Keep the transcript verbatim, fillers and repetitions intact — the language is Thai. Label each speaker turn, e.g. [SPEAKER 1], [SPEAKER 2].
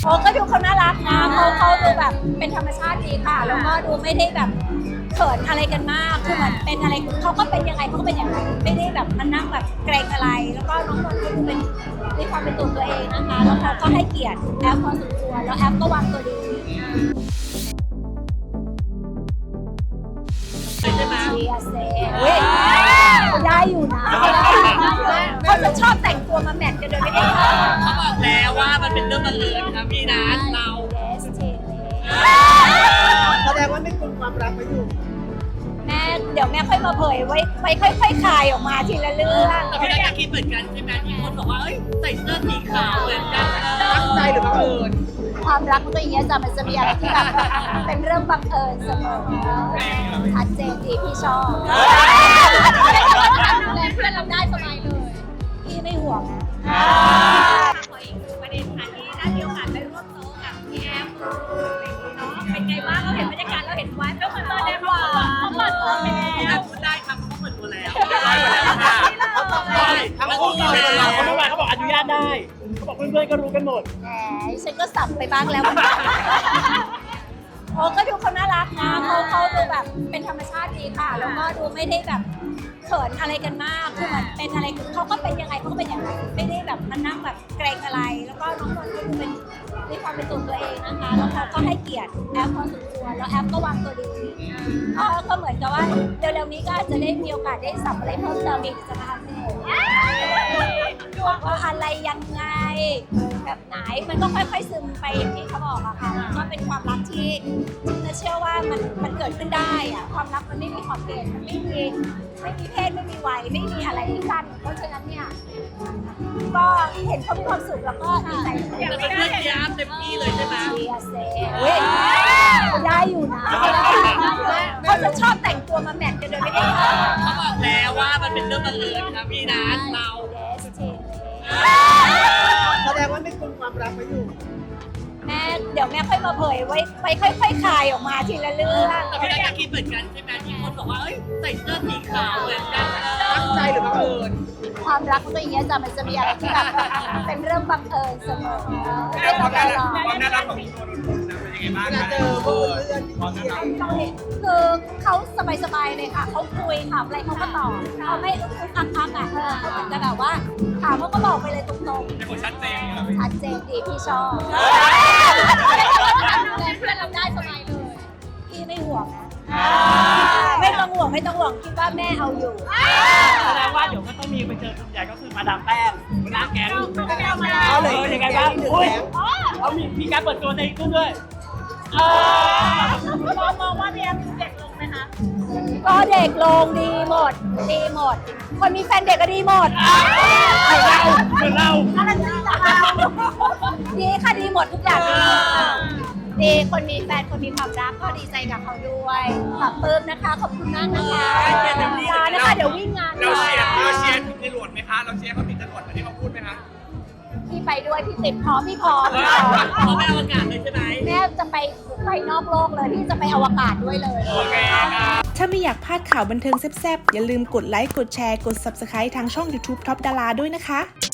[SPEAKER 1] โอ้ก็ดูเขาน่ารักนะเขาเขาดูแบบเป็นธรรมชาติดีค่ะแล้วก็ดูไม่ได้แบบเขินอะไรกันมากคือเหมือนเป็นอะไรเขาก็เป็นยังไงเขาก็เป็นอย่างนั้นไม่ได้แบบมันนั่งแบบเกรงอะไรแล้วก็น้องนนท์ก็ดูเป็นมีความเป็นตัวตัวเองนะคะแล้วเขาก็ให้เกียรติแอฟพอสมควรแล้วแอฟก็วางตัวดีเชียร์เซ่ได้อยู่นะเขาจะชอบแต่งตัวมาแมทกันโดยไม่ได้ค่ะ
[SPEAKER 2] เขาบอกแล้วว่ามันเป็นเรื่องบังเอิญครับพี่นัทเรา
[SPEAKER 3] แสดงว่าไม่คุมความรักไว้อยู่
[SPEAKER 1] แม่เดี๋ยวแม่ค่อยมาเผยไว้ไว้ค่อยๆคลายออกมาทีละเรื่อง
[SPEAKER 2] แต่พี่นัทก็คิดเหมือนกันใช่ไหมที่คนบอกว่าเอ้ยใส่เสื้อสีขาวเหมือนกัน
[SPEAKER 3] ตั้งใจหรือบังเอิญ
[SPEAKER 1] ความรักมันก็อย่างเงี้ยจ้ะมันจะมีอะไรที่แบบเป็นเรื่องบังเอิญเสมอชัดเจนดีพี่ชอบดูแลเพื่อนเราได้สบายเลยพี่ไม่ห่วงนะขออีกประเด็นค่ะที่ได้มีโอกาสไปร่วมโต๊ะกับพี่แอมเนาะเป็นไงบ้างเราเห็นบรรยากาศเราเห็นไว้แล้วมันเปิดได้หวานเขาเปิดตัวไปแล้ว
[SPEAKER 2] พูดได้ครับเขาเปิดตัวแล้ว
[SPEAKER 3] ทั้งคู่เลย
[SPEAKER 4] เขาไม่ว่าเขาบอกอนุญาตได้เขาบอกเพื่อนๆก็รู้กันหมด
[SPEAKER 1] แหมฉันก็สับไปบ้างแล้วโอ้ก็ดูเขาน่ารักนะเขาเขาดูแบบเป็นธรรมชาติดีค่ะแล้วก็ดูไม่ได้แบบเขินอะไรกันมากคือเหมือนเป็นอะไรเขาก็เป็นยังไงเขาก็เป็นอย่างนั้นไม่ได้แบบมันนั่งแบบเกรงอะไรแล้วก็น้องนนท์ก็ดูเป็นมีความเป็นตัวตัวเองนะคะแล้วเขาก็ให้เกียรติแอฟพอสมควรแล้วแอฟก็วางตัวดีก็ก็เหมือนกับว่าเร็วๆนี้ก็อาจจะได้มีโอกาสได้สับอะไรเพิ่มเติมอีกจะมาทำให้ดูว่าอะไรยังไงแบบไหนมันก็ค่อยๆซึมไปอย่างที่เขาบอกอะค่ะมันก็เป็นความรักที่จะเชื่อว่ามันมันเกิดขึ้นได้อะความรักมันไม่มีขอบเขตมันไม่มีไม่มีเพศไม่มีวัยไม่มีอะไรกันเพราะฉะนั้นเนี่ยก็เห็นเขามีความสุขแล้วก็ดีใจ
[SPEAKER 2] แต่เป็นเพื่อนพี่อาร์ตเต็มที่เลยใช่ไหม
[SPEAKER 1] เชียร์เซ่ได้อยู่นะเขาจะชอบแต่งตัวมาแมทกันโดยไม่ได้ค่ะ
[SPEAKER 2] เขาบอกแล้วว่ามันเป็นเรื่องบังเอิญครับพี่นัทเรา
[SPEAKER 3] แสดงว่าไม่คุมความรักไว้อยู่
[SPEAKER 1] แม่เดี๋ยวแม่ค่อยมาเผยไว้ไว้ค่อยๆคลายออกมาทีละเรื่อง
[SPEAKER 2] แต่พี่นัทก็คิดเหมือนกันใช่ไหมที่คนบอกว่าเอ้ยใส่เสื้อสีขาวเหมือนกัน
[SPEAKER 3] ตั้งใจหรือบังเอิญ
[SPEAKER 1] ความรักมันก็อย่างเงี้ยจ้ะมันจะมีอะไรที่แบบเป็นเรื่องบังเอิญเสมอไม่ต้องรอ
[SPEAKER 4] ความน่ารักของตัวนนท์นะเป็นยังไงบ้าง
[SPEAKER 3] เวลาเจอพวกเพื่อนๆที่เที่ยว
[SPEAKER 1] คือเขาสบายๆเลยค่ะเขาคุยถามอะไรเขาก็ตอบเขาไม่อึ้งอึ้งอักอักอ่ะเออเขาเหมือนจะแบบว่าถามเขาก็บอกไปเลยตรงๆ
[SPEAKER 4] เป็นคนชัดเจน
[SPEAKER 1] ชัดเจนดีพี่ชอบดูแลเพื่อนเราได้สบายเลยพี่ไม่ห่วงนะไม่ต้องห่วงไม่ต้องห่วงคิดว่าแม่เอาอยู่
[SPEAKER 4] แสดงว่าเดี๋ยวก็ต้องมีไปเจอกลุ่มใหญ่ก็คือมาดามแป้งหัวหน้าแก๊ง
[SPEAKER 3] เอาเลย
[SPEAKER 4] เออยังไงบ้างอุ้ยเขามีมีการเปิดตัวในกลุ่มด้วยเออ
[SPEAKER 1] มองมองว่าพี่แอมเด็กลงไหมคะก็เด็กลงดีหมดดีหมด คนมีแฟนเด็กก็ดีหมด
[SPEAKER 4] เหมือนเราเหมือนเรา
[SPEAKER 1] อะไรดีล่ะดีค่ะดีหมดทุกอย่างดีหมดดีคนมีแฟนคนมีความรักก็ดีใจกับเขาด้วยขอบคุณนะคะขอบคุณมากนะคะลานะคะเดี๋ยววิ่งงาน
[SPEAKER 4] เราเชียร์เราเชียร์ติดจรวดไหมคะเราเชียร์เขาติดจรวดเหมือนที่เขาพูดไหมคะ
[SPEAKER 1] พี่ไปด้วยพี่ติดพร้อมพี่พร้อม
[SPEAKER 2] เขาไม่อวกาศเลยใช่ไหม
[SPEAKER 1] แม่จะไปไปนอกโลกเลยพี่จะไปอวกาศด้วยเลย
[SPEAKER 4] โอเคครับ
[SPEAKER 5] ถ้าไม่อยากพลาดข่าวบันเทิงแซ่บๆ อย่าลืมกดไลค์ กดแชร์ กด ซับสไครบ์ ทางช่อง ยูทูบ ท็อปดารา ด้วยนะคะ